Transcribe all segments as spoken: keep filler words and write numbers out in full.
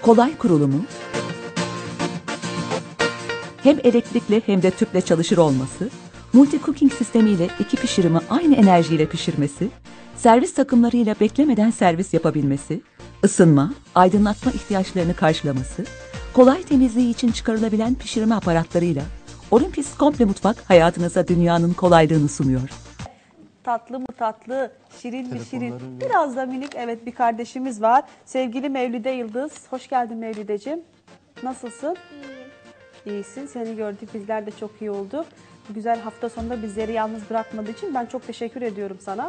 kolay kurulumu, hem elektrikli hem de tüple çalışır olması, multi cooking sistemiyle iki pişirimi aynı enerjiyle pişirmesi, servis takımlarıyla beklemeden servis yapabilmesi, ısınma, aydınlatma ihtiyaçlarını karşılaması, kolay temizliği için çıkarılabilen pişirme aparatlarıyla Olympus Komple Mutfak hayatınıza dünyanın kolaylığını sunuyor. Tatlı mı tatlı, şirin mi şirin, biraz da minik, evet, bir kardeşimiz var. Sevgili Mevlide Yıldız, hoş geldin Mevlideciğim. Nasılsın? İyiyim. İyisin, seni gördük, bizler de çok iyi olduk. Bu güzel hafta sonunda bizleri yalnız bırakmadığı için ben çok teşekkür ediyorum sana.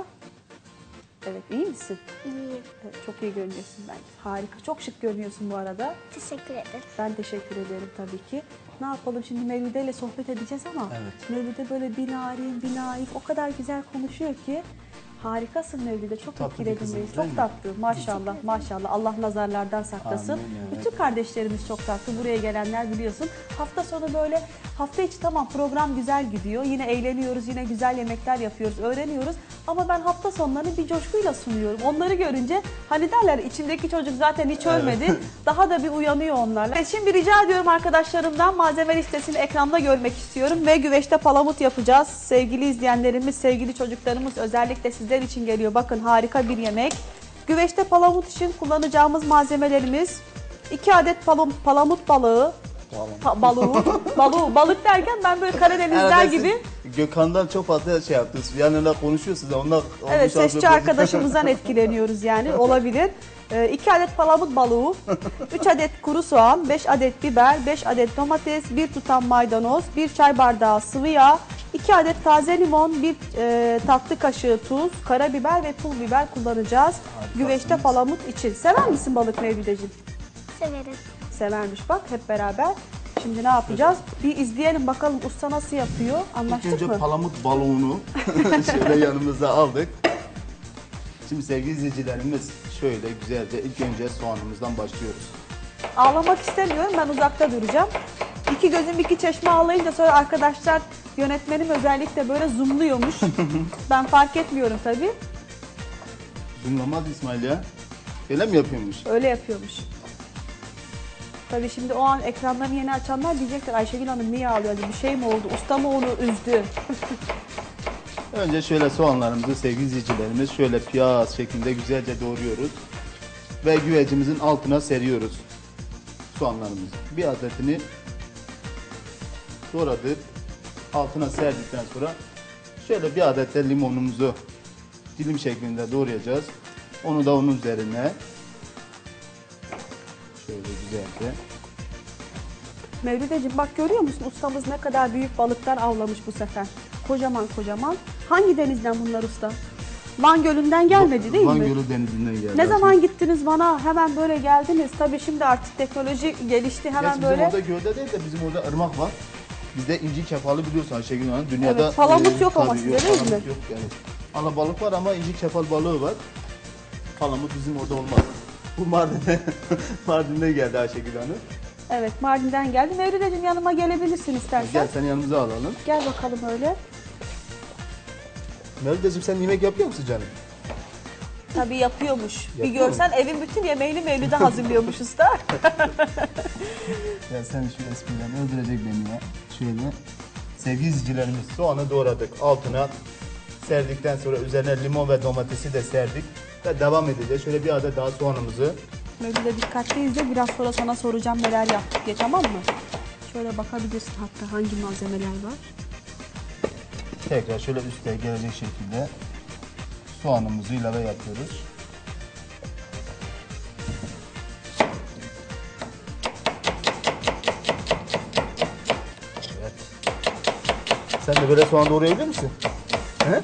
Evet, iyi misin? İyiyim. Evet, çok iyi görünüyorsun bence. Harika, çok şık görünüyorsun bu arada. Teşekkür ederim. Ben teşekkür ederim tabii ki. Ne yapalım şimdi, Mevlide ile sohbet edeceğiz ama Evet. Mevlide böyle bir narin, bir naif, o kadar güzel konuşuyor ki. Harikasın Mevlide, çok Tatlı bir etkiledin kızım, beni. değil Çok mi? tatlı, maşallah maşallah. Allah nazarlardan saklasın. Amin, evet. Bütün kardeşlerimiz çok tatlı. Buraya gelenler biliyorsun. Hafta sonu böyle, hafta içi tamam program güzel gidiyor. Yine eğleniyoruz, yine güzel yemekler yapıyoruz, öğreniyoruz. Ama ben hafta sonlarını bir coşkuyla sunuyorum. Onları görünce hani derler, içimdeki çocuk zaten hiç ölmedi. Daha da bir uyanıyor onlarla. Evet, şimdi rica ediyorum arkadaşlarımdan, malzeme listesini ekranda görmek istiyorum. Ve güveçte palamut yapacağız. Sevgili izleyenlerimiz, sevgili çocuklarımız, özellikle sizler için geliyor. Bakın, harika bir yemek. Güveçte palamut için kullanacağımız malzemelerimiz: iki adet palam palamut balığı. Pa balığı. balığı. Balık derken ben böyle Karadenizler Evet, gibi. Gökhan'dan çok fazla şey yaptınız. Yanına konuşuyorsunuz da onlar... Evet, sesçi arkadaşımızdan etkileniyoruz yani, olabilir. Ee, iki adet palamut balığı, üç adet kuru soğan, beş adet biber, beş adet domates, bir tutam maydanoz, bir çay bardağı sıvı yağ, iki adet taze limon, bir e, tatlı kaşığı tuz, karabiber ve pul biber kullanacağız. Güveçte palamut için. Sever misin balık Mevlideciğim? Severim. Severmiş bak, hep beraber. Şimdi ne yapacağız? Bir izleyelim bakalım usta nasıl yapıyor. İlk Anlaştık önce mı? palamut balığını şöyle yanımıza aldık. Şimdi sevgili izleyicilerimiz, şöyle güzelce ilk önce soğanımızdan başlıyoruz. Ağlamak istemiyorum, ben uzakta duracağım. İki gözüm iki çeşme ağlayınca sonra arkadaşlar, yönetmenim özellikle böyle zoomluyormuş. Ben fark etmiyorum tabii. Zoomlamaz İsmail ya. Öyle mi yapıyormuş? Öyle yapıyormuş. Tabii şimdi o an ekranlarını yeni açanlar diyecekler, Ayşegül Hanım niye ağlıyor? Bir şey mi oldu? Usta mı onu üzdü? Önce şöyle soğanlarımızı sevgili izleyicilerimiz şöyle piyaz şeklinde güzelce doğruyoruz. Ve güvecimizin altına seriyoruz soğanlarımızı. Bir adetini doğradık. Altına serdikten sonra şöyle bir adet de limonumuzu dilim şeklinde doğrayacağız. Onu da onun üzerine şöyle güzelce. Mevlideciğim bak, görüyor musun ustamız ne kadar büyük balıklar avlamış bu sefer. Kocaman kocaman. Hangi denizden bunlar usta? Van Gölü'nden gelmedi değil Van mi? Gölü denizinden geldi. Ne zaman gittiniz Van'a? Hemen böyle geldiniz. Tabii şimdi artık teknoloji gelişti, hemen Gerçi bizim böyle. orada gölde değil de bizim orada ırmak var. Bizde inci kefalı biliyorsun Ayşegül Hanım. Dünyada Evet, palamut e, yok ama tabii sizde yok, değil mi? palamut yok yani. Alabalık var ama inci kefal balığı var. Palamut bizim orada olmaz. Bu Mardin'de, Mardin'de geldi Ayşegül Hanım. Evet, Mardin'den geldi. Mevlideciğim yanıma gelebilirsin istersen. Gel seni yanımıza alalım. Gel bakalım öyle. Mevlideciğim sen yemek yapıyor musun canım? Tabii yapıyormuş. Bir Yapıyor görsen evin bütün yemeğini Mevlid'e hazırlıyormuş usta. Ya sen şu espriden öldürecek beni ya. Şöyle. Sevgili izleyicilerimiz, soğanı doğradık. Altına serdikten sonra üzerine limon ve domatesi de serdik. Ve devam edeceğiz. Şöyle bir adet daha soğanımızı. Mevlid'e dikkatli izle. Biraz sonra sana soracağım neler yaptık diye, tamam mı? Şöyle bakabilirsin hatta hangi malzemeler var. Tekrar şöyle üste gelecek şekilde soğanımızı ilave yapıyoruz. Evet. Sen de böyle soğan doğrayabilir misin? He?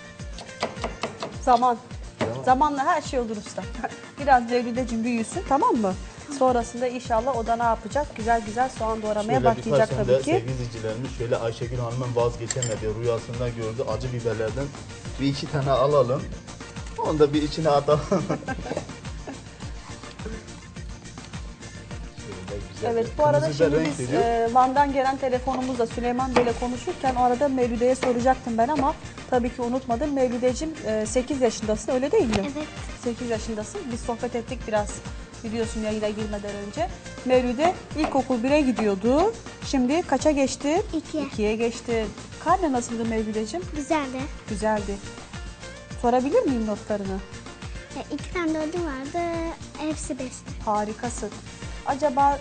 Zaman. Zamanla her şey olur usta. Biraz Mevlideciğim büyüsün, tamam mı? Sonrasında inşallah o da ne yapacak? Güzel güzel soğan doğramaya Şöyle başlayacak birkaç tane tabii de ki. sevgili izleyicilerimiz, şöyle Ayşegül Hanım'ın vazgeçemediği rüyasında gördü acı biberlerden bir iki tane alalım. Onu da bir içine atalım. Evet, bu arada şimdi biz e, Van'dan gelen telefonumuzla Süleyman Bey'le konuşurken o arada Mevlüde'ye soracaktım ben ama tabii ki unutmadım. Mevlüdeciğim e, sekiz yaşındasın, öyle değil mi? Evet. sekiz yaşındasın. Biz sohbet ettik biraz biliyorsun yayına girmeden önce. Mevlüde ilkokul bire gidiyordu. Şimdi kaça geçti? İki. ikiye geçti. Karne nasıldı Mevlüdeciğim? Güzeldi. Güzeldi. Sorabilir miyim notlarını? E, iki tane dördüm vardı. Hepsi beşti. Harikasın. Acaba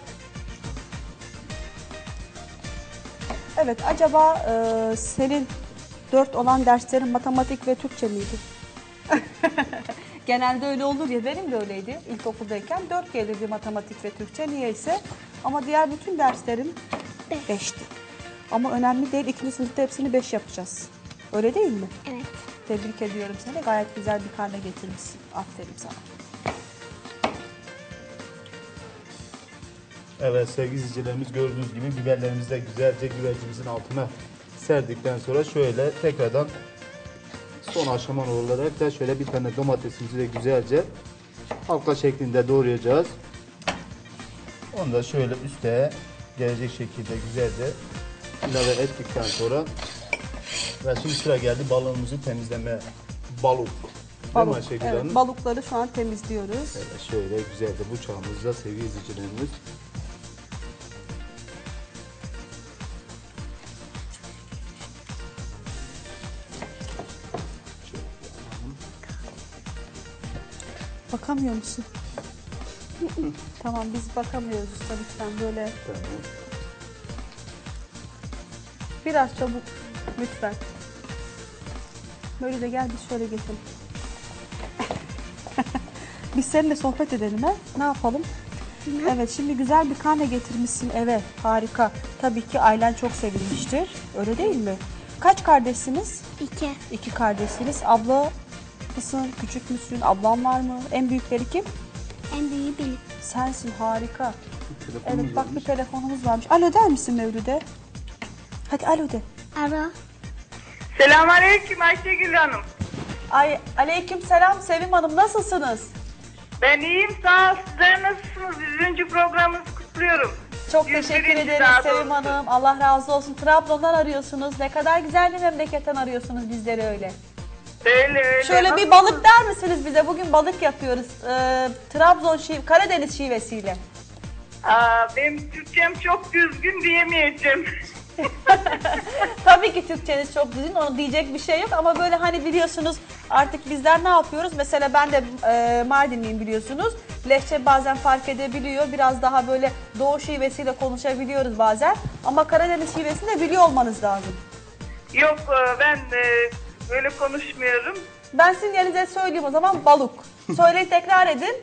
Evet, acaba e, senin dört olan derslerin matematik ve Türkçe miydi? Genelde öyle olur ya, benim de öyleydi. İlkokuldayken dört gelirdi matematik ve Türkçe niyeyse. Ama diğer bütün derslerim Beş. beşti. Ama önemli değil, ikinci sınıfta hepsini beş yapacağız. Öyle değil mi? Evet. Tebrik ediyorum seni. Gayet güzel bir karne getirmişsin. Aferin sana. Evet sevgili izleyicilerimiz, gördüğünüz gibi biberlerimizi de güzelce güvecimizin altına serdikten sonra şöyle tekrardan son aşama olarak da şöyle bir tane domatesimizi de güzelce halka şeklinde doğrayacağız. Onu da şöyle üste gelecek şekilde güzelce ilave ettikten sonra ve şimdi sıra geldi balığımızı temizleme. Balık. Değil mi Balık, Ayşegül evet, Hanım? balıkları şu an temizliyoruz. Evet, şöyle güzelce bıçağımızla sevgili izleyicilerimiz. Bakamıyor musun? Tamam, biz bakamıyoruz usta, lütfen böyle Tamam. biraz çabuk lütfen. Böyle de gel biz şöyle geçelim. Biz seninle sohbet edelim ha. Ne yapalım? Evet, şimdi güzel bir karne getirmişsin eve. Harika. Tabii ki ailen çok sevinmiştir. Öyle değil mi? Kaç kardeşsiniz? İki. İki kardeşsiniz. Abla mısın? Küçük müsün? Ablan var mı? En büyükleri kim? En büyüğü benim. Sensin, harika. Telefonumuz Evet, bak bir varmış. telefonumuz varmış. Alo der misin Mevlüde? Hadi alo de. Ara. Selamünaleyküm Ayşegül Hanım. Ay, aleyküm selam Sevim Hanım, nasılsınız? Ben iyiyim, sağ ol. Sizler nasılsınız? Yüzüncü programınızı kutluyorum. Çok Yüz teşekkür birinci ederiz daha Sevim doğrusu. Hanım. Allah razı olsun. Trabzon'dan arıyorsunuz. Ne kadar güzel bir memleketten arıyorsunuz bizleri öyle. Öyle öyle. Şöyle bir balık der misiniz bize? Bugün balık yapıyoruz. Ee, Trabzon şive, Karadeniz şivesiyle. Aa, benim Türkçem çok düzgün diyemeyeceğim. Tabii ki Türkçeniz çok düzgün, onu diyecek bir şey yok ama böyle hani biliyorsunuz artık bizler ne yapıyoruz? Mesela ben de e, Mardinliyim biliyorsunuz. Lehçe bazen fark edebiliyor. Biraz daha böyle Doğu şivesiyle konuşabiliyoruz bazen. Ama Karadeniz şivesini de biliyor olmanız lazım. Yok e, ben e, böyle konuşmuyorum. Ben sizin yerinize söyleyeyim o zaman balık. Söyleyin, tekrar edin.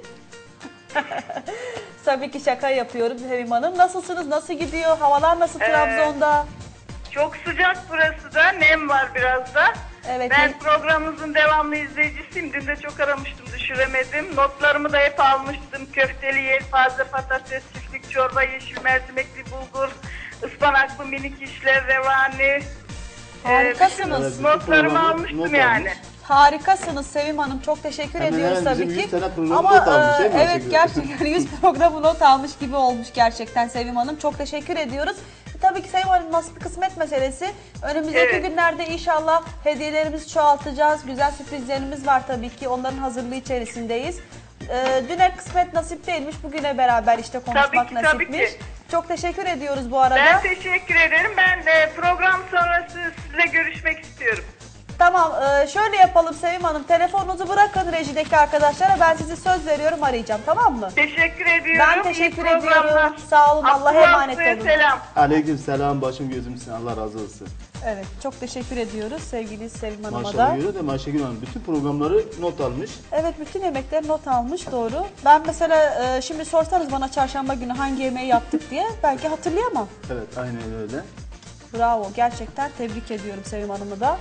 Tabii ki şaka yapıyorum Sevim Hanım. Nasılsınız? Nasıl gidiyor? Havalar nasıl Ee, Trabzon'da? Çok sıcak burası da, nem var biraz da. Evet. Ben ne- programınızın devamlı izleyicisiyim. Dün de çok aramıştım, düşüremedim. Notlarımı da hep almıştım. Köfteli yelpaze, patates, çiftlik çorba, yeşil mercimekli bulgur, ıspanaklı minik işler, revani. Harikasınız. Ee, Evet, bütün bütün notlarımı programı almıştım not yani. almış. Harikasınız Sevim Hanım. Çok teşekkür Hemen ediyoruz hemen tabii bizim ki. yüz tane programı Ama not almış, e, değil mi evet, Ayşegül? gerçekten yüz programı not almış gibi olmuş gerçekten Sevim Hanım. Çok teşekkür ediyoruz. Tabii ki Sevim Hanım, nasıl bir kısmet meselesi. Önümüzdeki Evet. günlerde inşallah hediyelerimizi çoğaltacağız. Güzel sürprizlerimiz var tabii ki. Onların hazırlığı içerisindeyiz. E, düne kısmet nasip değilmiş. Bugüne beraber işte konuşmak Tabii ki, tabii nasipmiş. ki. Çok teşekkür ediyoruz bu arada. Ben teşekkür ederim. Ben de program sonrası sizinle görüşmek istiyorum. Tamam, e, şöyle yapalım Sevim Hanım. Telefonunuzu bırakın rejideki arkadaşlara. Ben sizi söz veriyorum, arayacağım, tamam mı? Teşekkür ediyorum. Ben teşekkür İyi programlar. ediyorum. Sağ olun, Allah'a Abdullah emanet Bey'e olun. selam. Aleyküm selam, başım gözümsün, Allah razı olsun. Evet, çok teşekkür ediyoruz sevgili Sevim Hanım'a Maşallah da. göre de Ayşegül Hanım bütün programları not almış. Evet, bütün yemekleri not almış, doğru. Ben mesela e, şimdi sorsanız bana çarşamba günü hangi yemeği yaptık diye belki hatırlayamam. Evet, aynen öyle. Bravo, gerçekten tebrik ediyorum Sevim Hanım'ı da.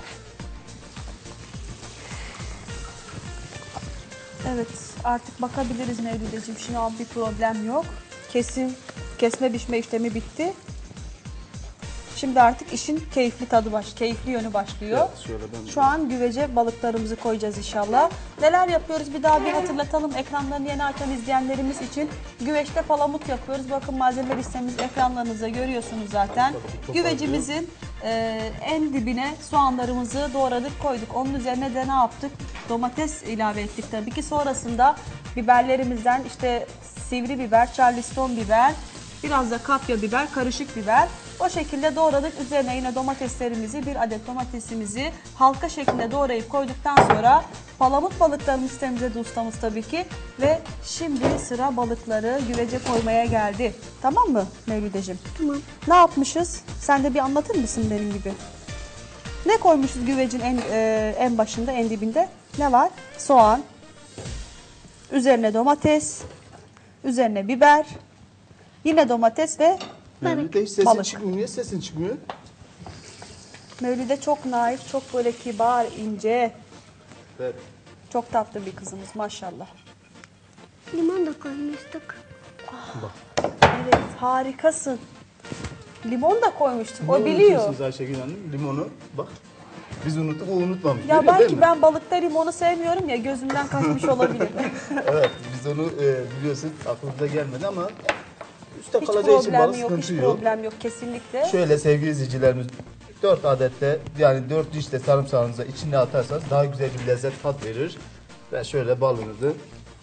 Evet, artık bakabiliriz Mevlideciğim. Şu an bir problem yok. Kesin kesme biçme işlemi bitti. Şimdi artık işin keyifli tadı baş, keyifli yönü başlıyor. Evet, şöyle ben- Şu an güvece balıklarımızı koyacağız inşallah. Neler yapıyoruz bir daha bir hatırlatalım ekranlarını yeni açan izleyenlerimiz için. Güveçte palamut yapıyoruz. Bakın malzeme listemiz ekranlarınızda görüyorsunuz zaten. Güvecimizin e, en dibine soğanlarımızı doğradık koyduk. Onun üzerine de ne yaptık? Domates ilave ettik tabii ki. Sonrasında biberlerimizden işte sivri biber, charleston biber, biraz da kapya biber, karışık biber. O şekilde doğradık. Üzerine yine domateslerimizi, bir adet domatesimizi halka şeklinde doğrayıp koyduktan sonra palamut balıklarımız sistemimize de ustamız tabii ki. Ve şimdi sıra balıkları güvece koymaya geldi. Tamam mı Mevlideciğim? Tamam. Ne yapmışız? Sen de bir anlatır mısın benim gibi? Ne koymuşuz güvecin en, e, en başında, en dibinde? Ne var? Soğan, üzerine domates, üzerine biber, yine domates ve Mevlüt'te hiç sesin Balık. çıkmıyor. Niye sesin çıkmıyor? Mevlide çok naif, çok böyle kibar, ince, Evet. çok tatlı bir kızımız maşallah. Limon da koymuştuk. Evet, harikasın. Limon da koymuştuk, o Ne biliyor. unutuyorsunuz Ayşegül Hanım? Limonu bak. Biz unuttuk, o unutmamış. Ya Biliyor, değil belki mi? ben balıkta limonu sevmiyorum ya, gözümden kaçmış olabilir. Evet, biz onu e, biliyorsun aklımıza gelmedi ama üstte Hiç kalacağı için problem balık yok, hiç sıkıntı yok. problem yok kesinlikle. Şöyle sevgili izleyicilerimiz dört adette yani dört diş de sarımsağınıza içine atarsanız daha güzel bir lezzet tat verir. Ve şöyle balığınızı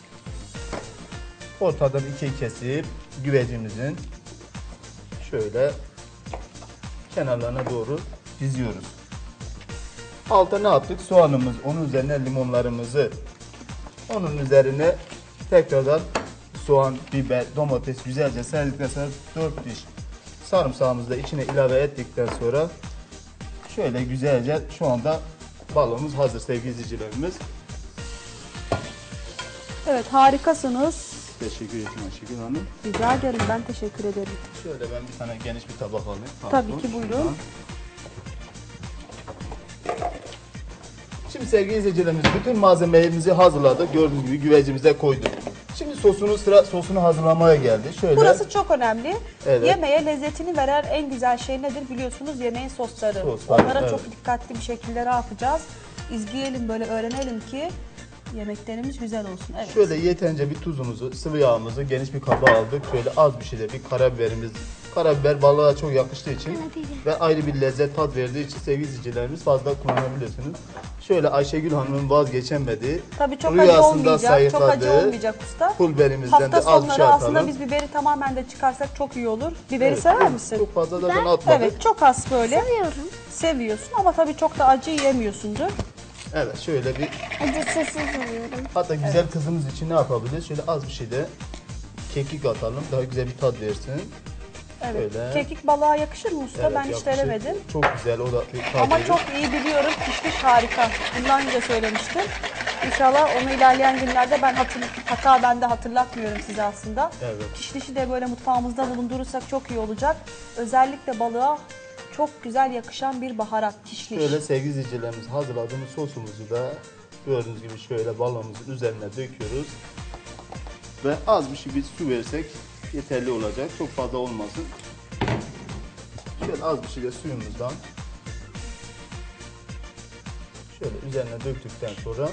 ortadan ikiye kesip güvecimizin şöyle kenarlarına doğru diziyoruz. Alta ne yaptık? Soğanımız, onun üzerine limonlarımızı, onun üzerine tekrardan soğan, biber, domates güzelce serdikten sonra dört diş sarımsağımızı da içine ilave ettikten sonra şöyle güzelce şu anda balığımız hazır sevgili izleyicilerimiz. Evet, harikasınız. Teşekkür ederim Ayşegül Hanım. Rica ederim, ben teşekkür ederim. Şöyle ben bir tane geniş bir tabak alayım. Tabii Pardon, ki, buyurun. şuradan. Şimdi sevgili izleyicilerimiz bütün malzemelerimizi hazırladık. Gördüğünüz gibi güvecimize koyduk. Şimdi sosunu sıra sosunu hazırlamaya geldi. Şöyle Burası çok önemli. Evet. Yemeğe lezzetini veren en güzel şey nedir biliyorsunuz? Yemeğin sosları. Soslar, Onlara evet. çok dikkatli bir şekilde ne yapacağız? İzleyelim, böyle öğrenelim ki yemeklerimiz güzel olsun. Evet. şöyle yeterince bir tuzumuzu, sıvı yağımızı geniş bir kaba aldık. Şöyle az bir şey de bir karabiberimiz. Karabiber balığa çok yakıştığı için ve ayrı bir lezzet tat verdiği için sevgili izleyicilerimiz fazla kullanabilirsiniz. Şöyle Ayşegül Hanım'ın vazgeçemediği, Tabii çok acı rüyasında olmayacak, çok acı sayıkladığı olmayacak usta. pul biberimizden Hafta de az bir sonları şey atalım. aslında biz biberi tamamen de çıkarsak çok iyi olur. Biberi Evet, sever çok- misin? Çok fazla zaten atmadık. Evet, çok az böyle. Seviyorum. Seviyorsun ama tabii çok da acı yiyemiyorsundur. Evet şöyle bir Acısız seviyorum. hatta güzel kızımız için ne yapabiliriz? Şöyle az bir şey de kekik atalım. Daha güzel bir tat versin. Evet. Şöyle. Kekik balığa yakışır mı usta? Evet, ben hiç yakışır. denemedim. Çok güzel o da bir tat Ama verir. çok iyi biliyorum. Pişmiş harika. Bundan önce söylemiştim. İnşallah onu ilerleyen günlerde ben hatır, hatta ben de hatırlatmıyorum size aslında. Evet. Pişmişi de böyle mutfağımızda bulundurursak çok iyi olacak. Özellikle balığa çok güzel yakışan bir baharat kişniş. Şöyle sevgili izleyicilerimiz hazırladığımız sosumuzu da gördüğünüz gibi şöyle balığımızın üzerine döküyoruz. Ve az bir şey bir su versek yeterli olacak. Çok fazla olmasın. Şöyle az bir şey de suyumuzdan şöyle üzerine döktükten sonra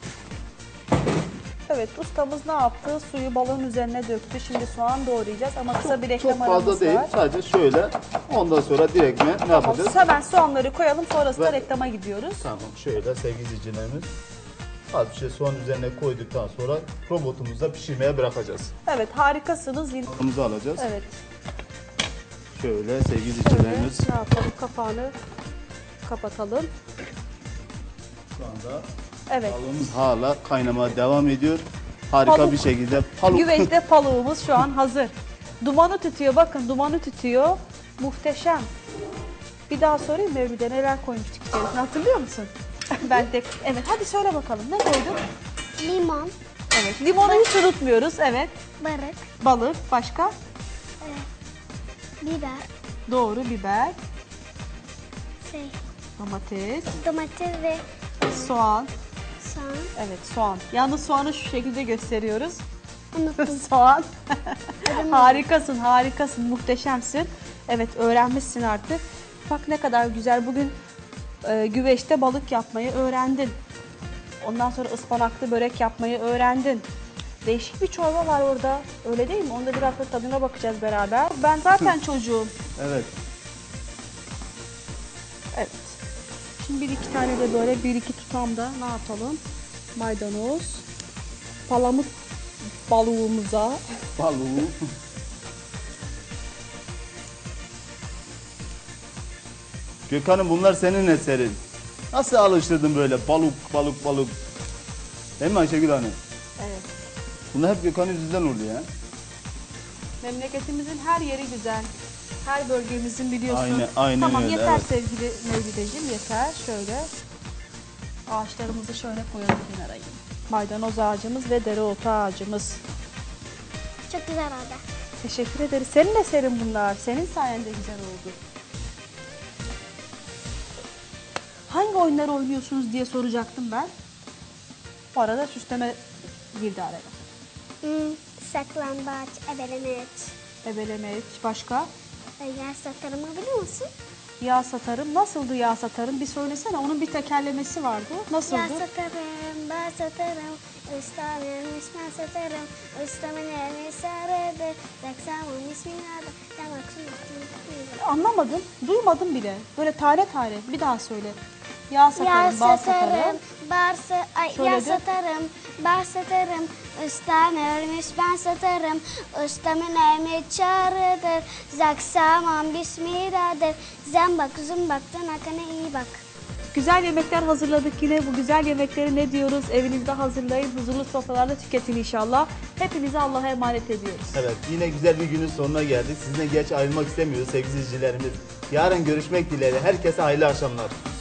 Evet, ustamız ne yaptı? Suyu balığın üzerine döktü. Şimdi soğan doğrayacağız ama kısa bir reklam çok fazla aramız değil. var. Sadece şöyle. Ondan sonra direkt ne Tamam, yapacağız? hemen soğanları koyalım, sonrasında Ve- reklama gidiyoruz. Tamam şöyle sevgili izleyicilerimiz. Az bir şey soğan üzerine koyduktan sonra robotumuzda pişirmeye bırakacağız. Evet, harikasınız. Yine- Robotumumuzu alacağız. Evet, Şöyle sevgili şöyle izleyicilerimiz. ne yapalım? Kapağını kapatalım. Şu anda Evet, balığımız hala kaynamaya devam ediyor. Harika Paluk. bir şekilde paluk. güvecde paluğumuz şu an hazır. Dumanı tütüyor, bakın dumanı tütüyor. Muhteşem. Bir daha sorayım mı Mevlüt'e neler koymuştuk içerisine, hatırlıyor musun? Ben de, evet hadi söyle bakalım ne koyduk? Limon, Evet, limonu hiç unutmuyoruz, evet. balık, Balık, başka? biber, Doğru, biber, şey, domates, domates ve soğan. soğan. Evet, soğan. Yalnız soğanı şu şekilde gösteriyoruz. Unuttum. Soğan. Harikasın, harikasın, muhteşemsin. Evet, öğrenmişsin artık. Bak ne kadar güzel. Bugün e, güveçte balık yapmayı öğrendin. Ondan sonra ıspanaklı börek yapmayı öğrendin. Değişik bir çorba var orada. Öyle değil mi? Onda biraz da tadına bakacağız beraber. Ben zaten çocuğum. Evet. Evet. Şimdi bir iki tane de böyle bir iki tutam da ne yapalım? Maydanoz. Palamut balığımıza Balığı. Gökhan'ım bunlar senin eserin. Nasıl alıştırdın böyle balık balık balık? Değil mi Ayşegül Hanım? Evet. Bunlar hep Gökhan'ın yüzünden oldu ya. Memleketimizin her yeri güzel. Her bölgemizin biliyorsun. Aynen- aynen tamam öyle, yeter evet. sevgili Mevlideciğim yeter. Şöyle ağaçlarımızı şöyle koyalım kenara yine. Maydanoz ağacımız ve dereotu ağacımız. Çok güzel oldu. Teşekkür ederiz. Senin eserin bunlar. Senin sayende güzel oldu. Hangi oyunları oynuyorsunuz diye soracaktım ben. Bu arada süsleme girdi araya. Hmm, saklambaç, ebelemeç. Ebelemeç, başka? E, yer satarımı biliyor musun? Yağ satarım. Nasıldı yağ satarım? Bir söylesene. Onun bir tekerlemesi vardı. Nasıldı? Yer satarım, ben satarım. Ustam gelmiş ben satarım. Ustamın elini sarıdır. Zaksamın ismini adı. Yamak şunu Anlamadım. Duymadım bile. Böyle tane tane. Bir daha söyle. Yağ satarım, Yar bal satarım, satarım. bar sa ay, Söyle yar de. satarım, bar satarım. Ustam ölmüş ben satarım. Ustamın emri çağrıdır. Zaksamam bismillah'dır. Zambak zumbaktan akana iyi bak. Güzel yemekler hazırladık yine. Bu güzel yemekleri ne diyoruz? Evinizde hazırlayın. Huzurlu sofralarda tüketin inşallah. Hepinizi Allah'a emanet ediyoruz. Evet, yine güzel bir günün sonuna geldik. Sizinle geç ayrılmak istemiyoruz sevgili izleyicilerimiz. Yarın görüşmek dileğiyle. Herkese hayırlı akşamlar.